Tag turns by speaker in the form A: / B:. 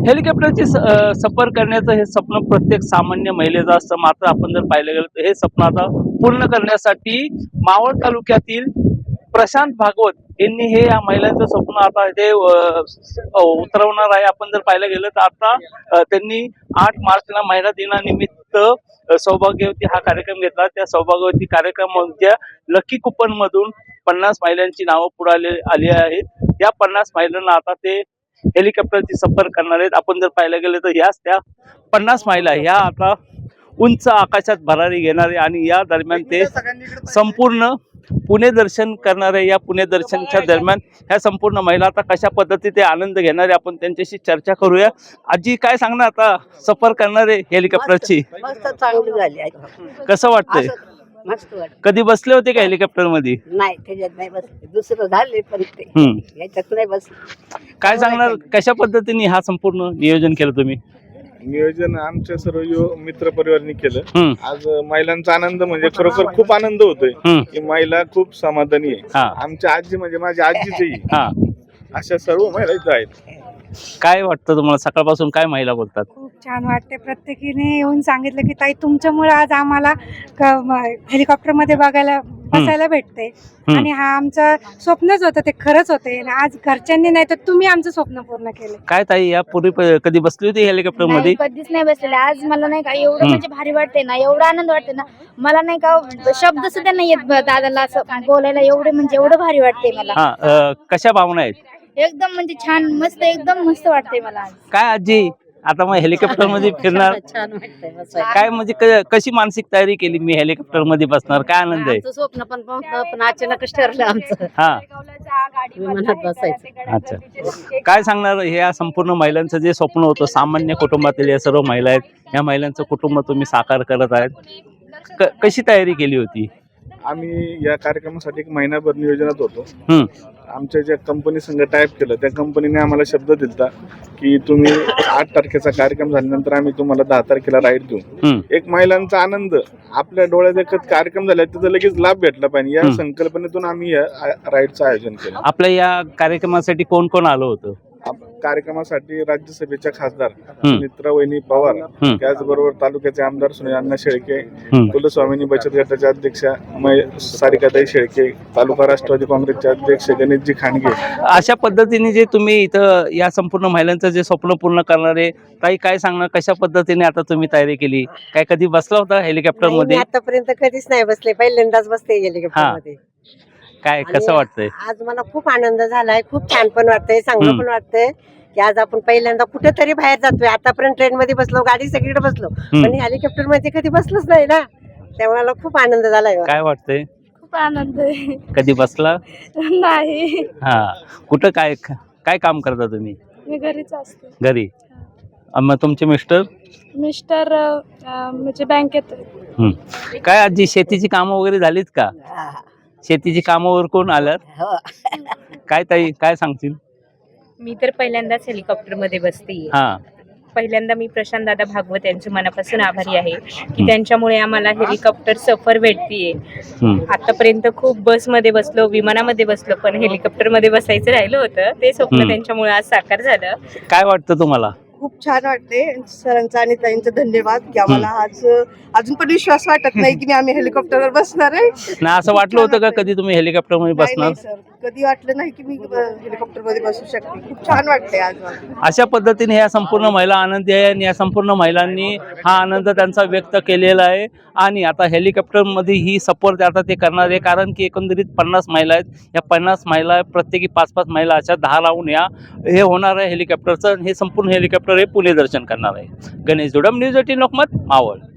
A: हेलिकॉप्टरची सफर करण्याचं हे स्वप्न प्रत्येक सामान्य महिलेचं असतं. मात्र आपण जर पाहिलं गेलं तर हे स्वप्न आता पूर्ण करण्यासाठी मावळ तालुक्यातील प्रशांत भागवत यांनी हे या महिलांचं स्वप्न आता ते उतरवणार आहे. आपण जर पाहिलं गेलं तर आता त्यांनी 8 मार्चला महिला दिनानिमित्त सौभाग्यवती हा कार्यक्रम घेतला. त्या सौभाग्यवती कार्यक्रमाच्या लकी कुपन मधून 50 महिलांची नावं पुढे आली आहेत. या 50 महिलांना आता ते हेलिकॉप्टरची सफर करणार आहेत. आपण जर पाहायला गेलं तर ह्याच त्या 50 महिला ह्या आता उंच आकाशात भरारी घेणारे आणि या दरम्यान ते संपूर्ण पुणे दर्शन करणारे. या पुणे दर्शनच्या दरम्यान ह्या संपूर्ण महिला आता कशा पद्धतीने आनंद घेणारे आपण त्यांच्याशी चर्चा करूया. आजी काय सांगणार आता सफर करणारे हेलिकॉप्टरची?
B: मस्त चांगली झाली.
A: कसं वाटतंय?
B: मस्त वाटत.
A: कधी बसले होते का हेलिकॉप्टर मध्ये?
B: नाही त्याच्यात नाही बसले, दुसरं झाले पण ते याच्यात नाही बसले.
A: काय सांगणार कशा पद्धतीने हा संपूर्ण नियोजन केलं तुम्ही?
C: नियोजन आमच्या सर्व मित्र परिवारांनी केलं. आज महिलांचा आनंद म्हणजे खरोखर खूप आनंद होतोय की महिला खूप समाधानी आहे. आमच्या आजी म्हणजे माझी आजीची अशा सर्व महिला इथं आहेत.
A: काय वाटतं तुम्हाला सकाळपासून काय महिला बोलतात?
D: खूप छान वाटते. प्रत्येकीने येऊन सांगितलं की ताई तुमच्यामुळे आज आम्हाला हेलिकॉप्टर मध्ये बसायला भेटते आणि हा आमचं स्वप्नच होतं, ते खरंच होते. आज घरच्यांनी नाही तर तुम्ही आमचं स्वप्न पूर्ण केलं.
A: काय ताई या पूर्वी कधी बसली होती हेलिकॉप्टर मध्ये?
E: कधीच नाही बसलेले. आज मला नाही का एवढं म्हणजे भारी वाटते ना, एवढा आनंद वाटते ना, मला नाही का शब्द सुद्धा नाही येत दादाला असं बोलायला. एवढे म्हणजे एवढं भारी वाटते मला.
A: कशा भावना आहेत?
E: एकदम म्हणजे छान, मस्त, एकदम मस्त वाटते मला आज.
A: काय आजी आता मग हेलिकॉप्टर मध्ये फिरणार?
B: छान वाटतंय.
A: काय म्हणजे कशी मानसिक तयारी केली? मी हेलिकॉप्टर मध्ये बसणार, काय आनंद आहे?
B: स्वप्न पण अचानकच ठरलं आमचं. विमानात बसायचं.
A: अच्छा, काय सांगणार या संपूर्ण महिलांचं जे स्वप्न होतं, सामान्य कुटुंबातील या सर्व महिला आहेत, या महिलांचं कुटुंब तुम्ही साकार करत आहेत, कशी तयारी केली होती?
C: आम्ही या कार्यक्रमासाठी 1 महिनाभर नियोजनात होतो. आमच्या ज्या कंपनी संघ टाईप केलं त्या कंपनीने आम्हाला शब्द दिला की तुम्ही 8 तारखेचा कार्यक्रम झाल्यानंतर आम्ही तुम्हाला 10 तारखेला राईड देऊ. एक महिलांचा आनंद आपल्या डोळ्यात एकच कार्यक्रम झाला त्याचा लगेच लाभ भेटला पाहिजे या संकल्पनेतून आम्ही या राईडचं आयोजन केलं.
A: आपल्या या कार्यक्रमासाठी कोण कोण आलं होतं?
C: कार्यक्रमासाठी राज्यसभेच्या खासदार मित्रावहिनी पवार, त्याचबरोबर तालुक्याचे आमदार सुनील शेळके, कुलस्वामिनी बचत गटाचे अध्यक्ष सारिकाताई शेळके, तालुका राष्ट्रवादी काँग्रेसचे अध्यक्ष गणेशजी खांडगे.
A: अशा पद्धतीने जे तुम्ही इथं या संपूर्ण महिलांचं जे स्वप्न पूर्ण करणारे ताई, काय सांगणार कशा पद्धतीने आता तुम्ही तयारी केली? काय कधी बसला होता हेलिकॉप्टर मध्ये?
B: आतापर्यंत कधीच नाही बसले, पहिल्यांदाच बसते हेलिकॉप्टर मध्ये.
A: काय कसं वाटतंय?
B: आज मला खूप आनंद झालाय, खूप छान पण वाटतंय, चांगलं पण वाटतंय की आज आपण पहिल्यांदा कुठेतरी बाहेर जातोय. आतापर्यंत ट्रेन मध्ये बसलो, गाडी सगळीकडे बसलो, पण हेलिकॉप्टर मध्ये कधी बसलोच नाही ना, त्यामुळे मला खूप आनंद झालाय.
A: काय वाटतंय?
E: खूप आनंद आहे.
A: कधी बसला
E: नाही.
A: कुठं काय काय काम करता तुम्ही?
E: मी घरीच असते.
A: घरी. मग तुमचे मिस्टर
E: म्हणजे बँकेत.
A: काय आजी शेतीची कामं वगैरे झालीत का? शेतीची कामावर कोण आल्यात? काय ताई काय सांगतील?
F: मी तर पहिल्यांदाच हेलिकॉप्टर मध्ये बसते. पहिल्यांदा मी प्रशांत दादा भागवत यांचे मनापासून आभारी आहे की त्यांच्यामुळे आम्हाला हेलिकॉप्टर सफर भेटतीये. आतापर्यंत खूप बसमध्ये बसलो, विमानामध्ये बसलो, पण हेलिकॉप्टर मध्ये बसायचं राहिलं होतं. ते स्वप्न त्यांच्यामुळे आज साकार झालं.
A: काय वाटतं तुम्हाला?
G: खूप छान वाटते. सरांचा आणि ताईंचा धन्यवाद की आम्हाला आज अजून पण विश्वास वाटत नाही की आम्ही हेलिकॉप्टरवर बसणार आहे.
A: ना असं वाटलं होतं का कधी तुम्ही हेलिकॉप्टर मध्ये बसणार?
G: सर कधी वाटलं नाही की मी हेलिकॉप्टर मध्ये बसू शकते. खूप छान वाटते आज.
A: अशा पद्धतीने ह्या संपूर्ण महिला आनंदी आहे आणि या संपूर्ण महिलांनी हा आनंद त्यांचा व्यक्त केलेला आहे. आणि आता हेलिकॉप्टर मध्ये ही सफर आता ते करणार आहे, कारण की एकंदरीत 50 महिला आहेत. या 50 महिला प्रत्येकी 5-5 महिला अशा 10 लावून या हे होणार आहे हेलिकॉप्टरचं. हे संपूर्ण हेलिकॉप्टर हे पुणे दर्शन करणार आहे. गणेश जोडम, न्यूज 18 लोकमत, मावळ.